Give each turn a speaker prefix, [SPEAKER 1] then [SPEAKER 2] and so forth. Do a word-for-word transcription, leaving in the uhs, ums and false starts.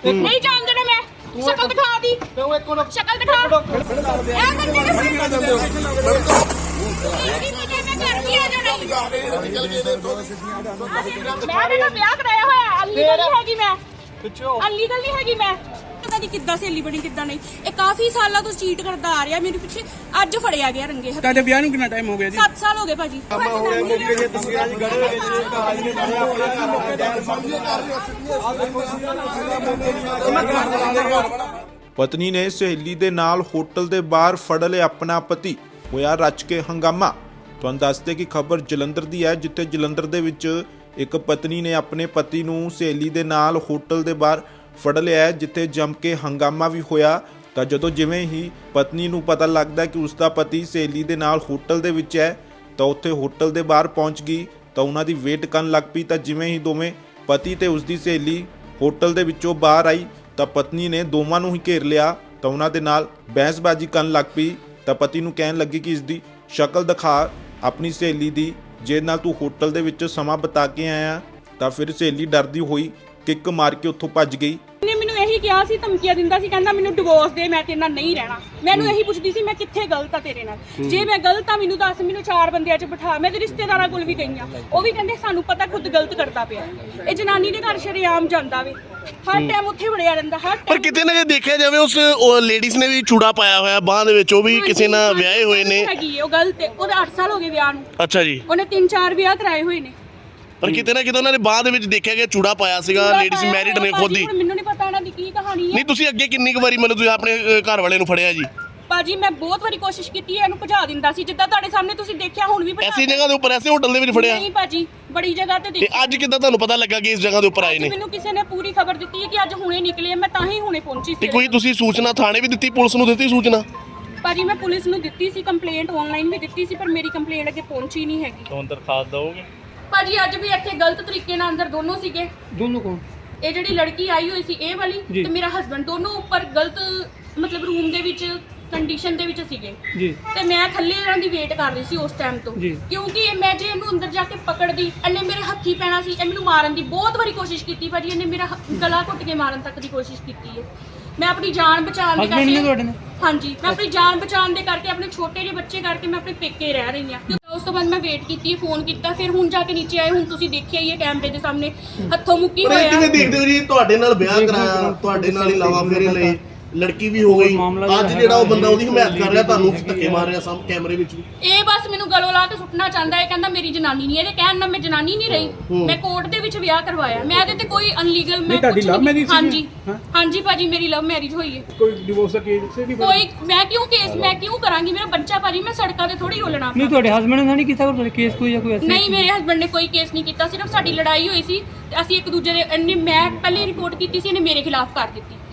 [SPEAKER 1] नहीं जान देना मैं शक्ल दिखा दी शक्ल दिखा ए बंदे ने मैं मेरा ब्याह कराया होया अनलीगल नहीं हैगी मैं अनलीगल नहीं हैगी मैं पता नहीं किद्दां सहेली बनी किद्दां नहीं ਇਹ ਕਾਫੀ ਸਾਲਾਂ ਤੋਂ ਚੀਟ ਕਰਦਾ ਆ ਰਿਹਾ ਮੇਰੇ ਪਿੱਛੇ ਅੱਜ ਫੜਿਆ ਗਿਆ ਰੰਗੇ ਹੱਥ
[SPEAKER 2] ਤੁਹਾਡੇ ਵਿਆਹ ਨੂੰ ਕਿੰਨਾ ਟਾਈਮ ਹੋ ਗਿਆ ਜੀ
[SPEAKER 1] ਸੱਤ ਸਾਲ ਹੋ ਗਏ ਭਾਜੀ
[SPEAKER 3] ਪਤਨੀ ਨੇ ਸਹੇਲੀ ਦੇ ਨਾਲ ਹੋਟਲ ਦੇ ਬਾਹਰ ਫੜ ਲਿਆ ਆਪਣਾ ਪਤੀ, ਹੋਇਆ ਰਚ ਕੇ ਹੰਗਾਮਾ। ਤੁਹਾਨੂੰ ਦੱਸਦੇ ਕਿ ਖਬਰ ਜਲੰਧਰ ਦੀ ਹੈ, ਜਿੱਥੇ ਜਲੰਧਰ ਦੇ ਵਿੱਚ ਇੱਕ ਪਤਨੀ ਨੇ ਆਪਣੇ ਪਤੀ ਨੂੰ ਸਹੇਲੀ ਦੇ ਨਾਲ ਹੋਟਲ ਦੇ ਬਾਹਰ ਫੜ ਲਿਆ, ਜਿੱਥੇ ਜੰਮ ਕੇ ਹੰਗਾਮਾ ਵੀ ਹੋਇਆ। ਤਾਂ ਜਦੋਂ ਜਿਵੇਂ ਹੀ ਪਤਨੀ ਨੂੰ ਪਤਾ ਲੱਗਦਾ ਕਿ ਉਸ ਦਾ ਪਤੀ ਸਹੇਲੀ ਦੇ ਨਾਲ ਹੋਟਲ ਦੇ ਵਿੱਚ ਹੈ, ਤਾਂ ਉੱਥੇ ਹੋਟਲ ਦੇ ਬਾਹਰ ਪਹੁੰਚ ਗਈ ਤਾਂ ਉਹਨਾਂ ਦੀ ਵੇਟ ਕਰਨ ਲੱਗ ਪਈ। ਤਾਂ ਜਿਵੇਂ ਹੀ ਦੋਵੇਂ ਪਤੀ ਤੇ ਉਸ ਦੀ ਸਹੇਲੀ ਹੋਟਲ ਦੇ ਵਿੱਚੋਂ ਬਾਹਰ ਆਈ ਤਾਂ ਪਤਨੀ ਨੇ ਦੋਵਾਂ ਨੂੰ ਹੀ ਘੇਰ ਲਿਆ ਤਾਂ ਉਹਨਾਂ ਦੇ ਨਾਲ ਬਹਿਸਬਾਜ਼ੀ ਕਰਨ ਲੱਗ ਪਈ। ਤਾਂ ਪਤੀ ਨੂੰ ਕਹਿਣ ਲੱਗੀ ਕਿ ਇਸ ਦੀ ਸ਼ਕਲ ਦਿਖਾ ਆਪਣੀ ਸਹੇਲੀ ਦੀ, ਜਿਹਦੇ ਨਾਲ ਤੂੰ ਹੋਟਲ ਦੇ ਵਿੱਚ ਸਮਾਂ ਬਿਤਾ ਕੇ ਆਇਆ। ਤਾਂ ਫਿਰ ਸਹੇਲੀ ਡਰਦੀ ਹੋਈ ਕਿੱਕ ਮਾਰ ਕੇ ਉੱਥੋਂ ਭੱਜ ਗਈ।
[SPEAKER 1] ਨੇ ਮੈਨੂੰ ਇਹੀ ਕਿਹਾ ਸੀ, ਧਮਕੀਆਂ ਦਿੰਦਾ ਸੀ, ਕਹਿੰਦਾ ਮੈਨੂੰ ਡਿਵੋਰਸ ਦੇ, ਮੈਂ ਤੇਰੇ ਨਾਲ ਨਹੀਂ ਰਹਿਣਾ। ਮੈਨੂੰ ਇਹੀ ਪੁੱਛਦੀ ਸੀ ਮੈਂ ਕਿੱਥੇ ਗਲਤ ਆ ਤੇਰੇ ਨਾਲ, ਜੇ ਮੈਂ ਗਲਤ ਆ ਮੈਨੂੰ ਦੱਸ, ਮੈਨੂੰ ਚਾਰ ਬੰਦਿਆਂ 'ਚ ਬਿਠਾ। ਮੈਂ ਤੇ ਰਿਸ਼ਤੇਦਾਰਾਂ ਕੋਲ ਵੀ ਗਈ ਆ, ਉਹ ਵੀ ਕਹਿੰਦੇ ਸਾਨੂੰ ਪਤਾ ਖੁਦ ਗਲਤ ਕਰਦਾ ਪਿਆ। ਇਹ ਜਨਾਨੀ ਦੇ ਘਰ ਸ਼ਰੇਆਮ ਜਾਂਦਾ ਵੇ, ਹਰ ਟਾਈਮ ਉੱਥੇ ਵੜਿਆ ਰਹਿੰਦਾ ਹਰ
[SPEAKER 4] ਪਰ ਕਿਤੇ ਨਾ ਕਿਤੇ ਦੇਖਿਆ ਜਾਵੇ ਉਸ ਲੇਡੀਜ਼ ਨੇ ਵੀ ਚੂੜਾ ਪਾਇਆ ਹੋਇਆ ਬਾਹ ਦੇ ਵਿੱਚ, ਉਹ ਵੀ ਕਿਸੇ ਨਾਲ ਵਿਆਹੇ ਹੋਏ ਨੇ।
[SPEAKER 1] ਹੈਗੀ ਉਹ ਗਲਤ ਹੈ, ਉਹਦੇ ਅੱਠ ਸਾਲ ਹੋ ਗਏ ਵਿਆਹ ਨੂੰ।
[SPEAKER 4] ਅੱਛਾ ਜੀ।
[SPEAKER 1] ਉਹਨੇ ਤਿੰਨ ਚਾਰ ਵਿਆਹ ਕਰਾਏ ਹੋਏ ਨੇ।
[SPEAKER 4] ਪਰ ਕਿਤੇ ਨਾ ਕਿਤੇ ਉਹਨਾਂ ਨੇ ਬਾਹ ਦੇ ਵਿੱਚ ਦੇਖਿਆ ਗਿਆ ਚੂੜਾ ਪਾਇਆ ਸੀਗਾ, ਲੇਡੀਜ਼ ਮੈਰਿਡ ਨੇ ਖੁਦ ਹੀ।
[SPEAKER 1] ਮੈਨੂੰ ਨਹੀਂ ਪਤਾ ਇਹਨਾਂ ਦੀ ਕੀ ਕਹਾਣੀ ਹੈ।
[SPEAKER 4] ਨਹੀਂ ਤੁਸੀਂ ਅੱਗੇ ਕਿੰਨੀ ਕੁ ਵਾਰੀ ਮਤਲਬ ਤੁਸੀਂ ਆਪਣੇ ਘਰ ਵਾਲੇ ਨੂੰ ਫੜਿਆ ਜੀ?
[SPEAKER 1] ਭਾਜੀ ਮੈਂ ਬਹੁਤ ਵਾਰੀ ਕੋਸ਼ਿਸ਼ ਕੀਤੀ ਹੈ, ਇਹਨੂੰ ਭਜਾ ਦਿੰਦਾ ਸੀ, ਜਿੱਦਾਂ ਤੁਹਾਡੇ ਸਾਹਮਣੇ ਤੁਸੀਂ ਦੇਖਿਆ ਹੁਣ ਵੀ ਭਜਾ।
[SPEAKER 4] ਐਸੀ ਜਗ੍ਹਾ ਦੇ ਉੱਪਰ, ਐਸੇ ਹੋਟਲ ਦੇ ਵਿੱਚ ਫੜਿਆ?
[SPEAKER 1] ਨਹੀਂ ਭਾਜੀ, ਬੜੀ ਜਗ੍ਹਾ ਤੇ
[SPEAKER 4] ਤੇ
[SPEAKER 1] ਦੇਖਿਆ।
[SPEAKER 4] ਅੱਜ ਕਿੱਦਾਂ ਤੁਹਾਨੂੰ ਪਤਾ ਲੱਗਾ ਕਿ ਇਸ ਜਗ੍ਹਾ ਦੇ ਉੱਪਰ ਆਏ ਨੇ?
[SPEAKER 1] ਮੈਨੂੰ ਕਿਸੇ ਨੇ ਪੂਰੀ ਖਬਰ ਦਿੱਤੀ ਹੈ ਕਿ ਅੱਜ ਹੁਣੇ ਨਿਕਲੇ, ਮੈਂ ਤਾਂ ਹੀ ਹੁਣੇ ਪਹੁੰਚੀ
[SPEAKER 4] ਤੇ
[SPEAKER 1] ਸੀ।
[SPEAKER 4] ਕੋਈ ਤੁਸੀਂ ਸੂਚਨਾ ਥਾਣੇ ਵੀ ਦਿੱਤੀ, ਪੁਲਿਸ ਨੂੰ ਦਿੱਤੀ ਸੂਚਨਾ?
[SPEAKER 1] ਭਾਜੀ ਮੈਂ ਪੁਲਿਸ ਨੂੰ ਦਿੱਤੀ ਸੀ ਕੰਪਲੇਂਟ, ਆਨਲਾਈਨ ਵੀ ਦਿੱਤੀ ਸੀ, ਪਰ ਮੇਰੀ ਕੰਪਲੇਂਟ ਅੱਗੇ ਪਹੁੰਚੀ ਨਹੀਂ ਹੈਗੀ।
[SPEAKER 2] ਹੁਣ ਦਰਖਾਸਤ ਦਓਗੇ?
[SPEAKER 1] ਭਾਜੀ ਅੱਜ ਵੀ ਇੱਥੇ ਗਲਤ ਤਰੀਕੇ ਨਾਲ ਅੰਦਰ ਦੋਨੋਂ ਸੀਗੇ।
[SPEAKER 2] ਦੋਨੋਂ ਕੌਣ?
[SPEAKER 1] ਇਹ ਜਿਹੜੀ ਲੜਕੀ ਆਈ ਹੋਈ ਸੀ ਇਹ ਵਾਲੀ ਤੇ ਮੇਰਾ ਹਸਬੰਡ, ਦੋਨੋਂ ਉੱਪਰ ਗਲਤ ਮਤਲਬ ਰੂਮ ਦੇ ਵਿੱਚ ਕੰਡੀਸ਼ਨ ਦੇ ਵਿੱਚ ਸੀਗੇ
[SPEAKER 2] ਜੀ।
[SPEAKER 1] ਤੇ ਮੈਂ ਥੱਲੇ ਇਹਨਾਂ ਦੀ ਵੇਟ ਕਰ ਰਹੀ ਸੀ ਉਸ ਟਾਈਮ ਤੋਂ, ਕਿਉਂਕਿ ਇਹ ਮੈਂ ਜੇ ਇਹਨੂੰ ਅੰਦਰ ਜਾ ਕੇ ਪਕੜਦੀ, ਇਹਨੇ ਮੇਰੇ ਹੱਥੀ ਪੈਣਾ ਸੀ। ਇਹ ਮੈਨੂੰ ਮਾਰਨ ਦੀ ਬਹੁਤ ਵਾਰੀ ਕੋਸ਼ਿਸ਼ ਕੀਤੀ ਭਾਜੀ, ਇਹਨੇ ਮੇਰਾ ਗਲਾ ਘੁੱਟ ਕੇ ਮਾਰਨ ਤੱਕ ਦੀ ਕੋਸ਼ਿਸ਼ ਕੀਤੀ ਹੈ। ਮੈਂ ਆਪਣੀ ਜਾਨ ਬਚਾਉਣ ਦੇ ਕਰਕੇ, ਹਾਂਜੀ ਮੈਂ ਆਪਣੀ ਜਾਨ ਬਚਾਉਣ ਦੇ ਕਰਕੇ, ਆਪਣੇ ਛੋਟੇ ਜਿਹੇ ਬੱਚੇ ਕਰਕੇ ਮੈਂ ਆਪਣੇ ਪੇਕੇ ਰਹਿ ਰਹੀ ਹਾਂ। ਉਸ ਤੋਂ ਬਾਅਦ ਮੈਂ ਵੇਟ ਕੀਤੀ, ਫੋਨ ਕੀਤਾ, ਫਿਰ ਹੁਣ ਜਾ ਕੇ ਨੀਚੇ ਆਏ। ਹੁਣ ਤੁਸੀਂ ਦੇਖਿਆ ਹੀ ਹੈ ਕੈਮਰੇ ਦੇ ਸਾਹਮਣੇ ਹੱਥੋਂ ਮੁੱਕੀ ਹੋਇਆ।
[SPEAKER 4] ਕਿਵੇਂ ਦੇਖਦੇ ਹੋ ਜੀ, ਤੁਹਾਡੇ ਨਾਲ ਵਿਆਹ ਕਰਾਇਆ, ਤੁਹਾਡੇ ਨਾਲ ਹੀ ਲਾਵਾ ਫੇਰੇ ਲਏ, ਲੜਕੀ ਵੀ ਹੋ ਗਈ, ਅੱਜ ਜਿਹੜਾ ਉਹ ਬੰਦਾ ਉਹਦੀ ਹਮਾਇਤ ਕਰ ਰਿਹਾ, ਤੁਹਾਨੂੰ ਧੱਕੇ ਮਾਰ ਰਿਹਾ ਸਾਹਮਣੇ ਕੈਮਰੇ ਵਿੱਚ ਵੀ।
[SPEAKER 1] ਇਹ ਬਸ ਮੈਨੂੰ ਗਲੋਂ ਲਾ ਕੇ ਸੁੱਟਣਾ ਚਾਹੁੰਦਾ ਹੈ, ਕਹਿੰਦਾ ਮੇਰੀ ਜਨਾਨੀ ਨਹੀਂ। ਇਹਦੇ ਕਹਿਣ ਨਾਲ ਮੈਂ ਜਨਾਨੀ ਨਹੀਂ ਰਹੀ, ਮੈਂ ਕੋਰਟ ਦੇ ਵਿੱਚ ਵਿਆਹ ਕਰਵਾਇਆ। ਮੈਂ ਇਹਦੇ ਤੇ ਕੋਈ ਅਨਲੀਗਲ ਮੈਂ
[SPEAKER 2] ਤੁਹਾਡੀ ਲਵ ਮੈਰਿਜ ਸੀ?
[SPEAKER 1] ਹਾਂਜੀ ਹਾਂਜੀ ਭਾਜੀ ਮੇਰੀ ਲਵ ਮੈਰਿਜ ਹੋਈ ਹੈ।
[SPEAKER 2] ਕੋਈ ਡਿਵੋਰਸ ਦਾ ਕੇਸ ਸੇ ਵੀ?
[SPEAKER 1] ਕੋਈ ਮੈਂ ਕਿਉਂ ਕੇਸ ਮੈਂ ਕਿਉਂ ਕਰਾਂਗੀ? ਮੇਰਾ ਬੱਚਾ ਭਾਜੀ, ਮੈਂ ਸੜਕਾਂ ਤੇ ਥੋੜੀ ਰੋਲਣਾ।
[SPEAKER 2] ਨਹੀਂ ਤੁਹਾਡੇ ਹਸਬੰਡ ਨੇ ਨਹੀਂ ਕੀਤਾ ਕੋਈ ਕੇਸ ਕੋਈ ਜਾਂ ਕੋਈ ਐਸਾ?
[SPEAKER 1] ਨਹੀਂ ਮੇਰੇ ਹਸਬੰਡ ਨੇ ਕੋਈ ਕੇਸ ਨਹੀਂ ਕੀਤਾ, ਸਿਰਫ ਸਾਡੀ ਲੜਾਈ ਹੋਈ ਸੀ ਤੇ ਅਸੀਂ ਇੱਕ ਦੂਜੇ ਦੇ, ਇਹਨੇ ਮੈਂ ਪਹਿਲੇ ਰਿਪੋਰਟ ਕੀਤੀ ਸੀ, ਇਹਨੇ ਮੇਰੇ ਖਿਲਾਫ ਕਰ ਦਿੱਤੀ।